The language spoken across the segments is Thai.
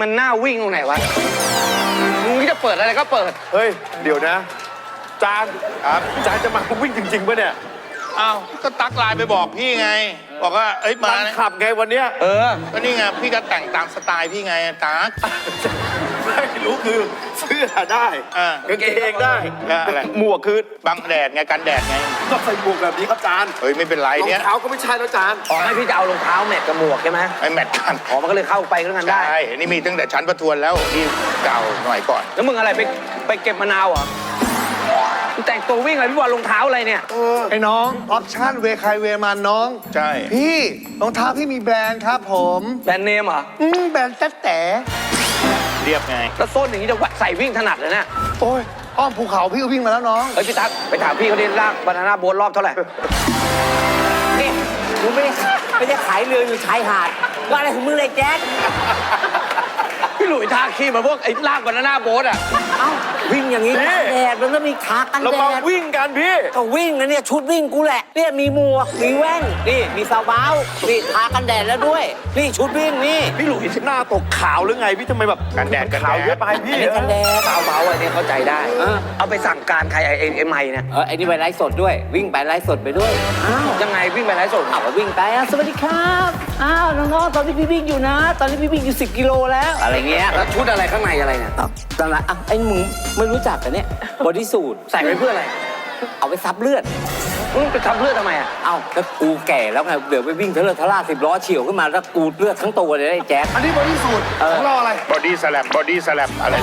มันน่าวิ่งตรงไหนวะมึงจะเปิดอะไรก็เปิดเฮ้ยเดี๋ยวนะจานครับจานจะมาวิ่งจริงๆป่ะเนี่ยอ้าวก็ตักไลน์ไปบอกพี่ไงบอกว่าเอ้ยมาขับไงวันเนี้ยก็นี่ไงพี่ก็แต่งตามสไตล์พี่ไงตักไม่รู้คือเสื้อได้กางเกงได้หมวกคือบังแดดไงกันแดดไงก็ใส่หมวกแบบนี้ครับจานเฮ้ยไม่เป็นไรเนี่ยรองเท้าก็ไม่ใช่แล้วจานอ๋อให้พี่จะเอารองเท้าแมทกับหมวกใช่ไหมไอ้แมทกันอ๋อมันก็เลยเข้าไปก็กันได้ใช่นี่มีตั้งแต่ชั้นประทวนแล้วนี่เก่าหน่อยก่อนแล้วมึงอะไรไปเก็บมะนาวเหรอแต่งตัววิ่งอะไรพี่บอลรองเท้าอะไรเนี่ยไอ้น้องออปชั่นเวใครเวมันน้องใช่พี่รองเท้าพี่มีแบรนด์ครับผมแบรนด์เนมเหรอแบรนด์แต๊แต่เรียบไงแล้วส้นอย่างนี้จะใส่วิ่งถนัดเลยเนี่ยโอ้ยอ้อมภูเขาพี่ก็วิ่งมาแล้วน้องเฮ้ยพี่ตั๊กไปถามพี่เขาดิลากบานาน่าโบ๊ทรอบเท่าไหร่นี่มึงไม่ได้ขายเรืออยู่ชายหาดว่าอะไรของมึงเลยแจ๊คพี่หลุยทาขี้มาพวกไอ้ลากบานาน่าโบ๊ทอ่ะเอ้าวิ่งอย่างนี้กันแดดมันก็มีขากันแดดเรามาวิ่งกันพี่ก็วิ่งนะเนี่ยชุดวิ่งกูแหละเนี่ยมีหมวกมีแว่นนี่มีซาวบ้านี่ทากันแดดแล้วด้วยนี่ชุดวิ่งนี่พี่หลุยหน้าตกขาวหรือไงพี่ทำไมแบบกันแดดขาวเยอะไปพี่กันแดดซาวบ้าอันนี้เข้าใจได้เอาไปสั่งการใครไอ้ไมค์เนี่ยไอ้นี่ไปไลฟ์สดด้วยวิ่งไปไลฟ์สดไปด้วยอ้าวยังไงวิ่งไปไลฟ์สดวิ่งไปสวัสดีครับน้องๆตอนนี้พี่วิ่งอยู่นะตอนนี้พี่วิ่งอยู่10 กิโลแล้วอะไรเงี้ยแล้วชุดอะไรข้างในอะไรเนี่ยตอนนั้นไอ้มึงไม่รู้จักกันเนี่ยบอดี้สูทใส่ไว้เพื่ออะไรเอาไปซับเลือดมึงไปซับเลือดทำไมอ่ะเอ้าก็กูแก่แล้วไงเดี๋ยวไปวิ่งเทเลทล่า10 ล้อเฉี่ยวขึ้นมาแล้วกูเลือดทั้งตัวเลยไอ้แจ๊คอันนี้บอดี้สูทของเราอะไรบอดี้สแลมอะไร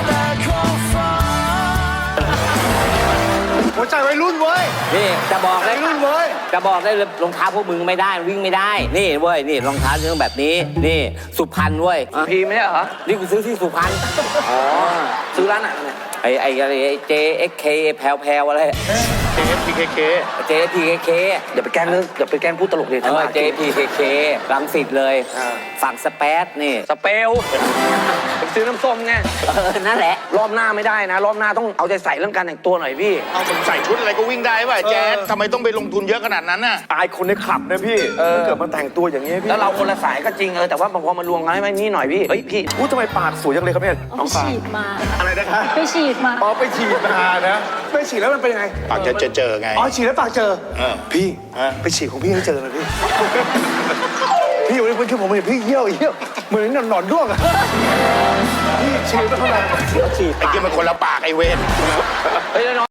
หัวใจวัยรุ่นเว้ยนี่จะบอกได้รุ่นเว้ยจะบอกได้รองเท้าพวกมึงไม่ได้วิ่งไม่ได้นี่เว้ยนี่รองเท้าเรื่องแบบนี้นี่สุพรรณเว้ยพีไม่ใช่เหรอนี่กูซื้อที่สุพรรณอ๋อซื้อร้านไหนเนี่ยไอ้JXK แพลวอะไร JPKK อย่าไปแกล้งพูดตลกเลยJPKK รังสิตเลยฝั่งสเปซนี่สเปลซื้อน้ำส้มไงนั่นแหละรอบหน้าไม่ได้นะรอบหน้าต้องเอาใจใส่เรื่องการแต่งตัวหน่อยพี่เอาผมใส่ชุดอะไรก็วิ่งได้ป่ะแจ๊ดทำไมต้องไปลงทุนเยอะขนาดนั้นน่ะอายคนในคลับนะพี่ถ้าเกิดมาแต่งตัวอย่างนี้พี่แล้วเราคนละสายก็จริงแต่ว่าบางคนมารวมกันให้มันนี่หน่อยพี่เฮ้ยพี่ทำไมปากสวยจังเลยครับเนี่ยไปฉีดมาอะไรนะคะไปฉีดมาไปฉีดมานะไปฉีดแล้วมันเป็นยังไงปากจะเจอไงฉีดแล้วปากเจอพี่ไปฉีดของพี่ให้เจอเลยพี่พี่วันนี้คือผมเห็นพี่เยี่ยวเหมือนหนอนด้วงอะพี่ฉีดไปเท่าไหร่ไอ้เกี่ยมันคนละปากไอ้เวร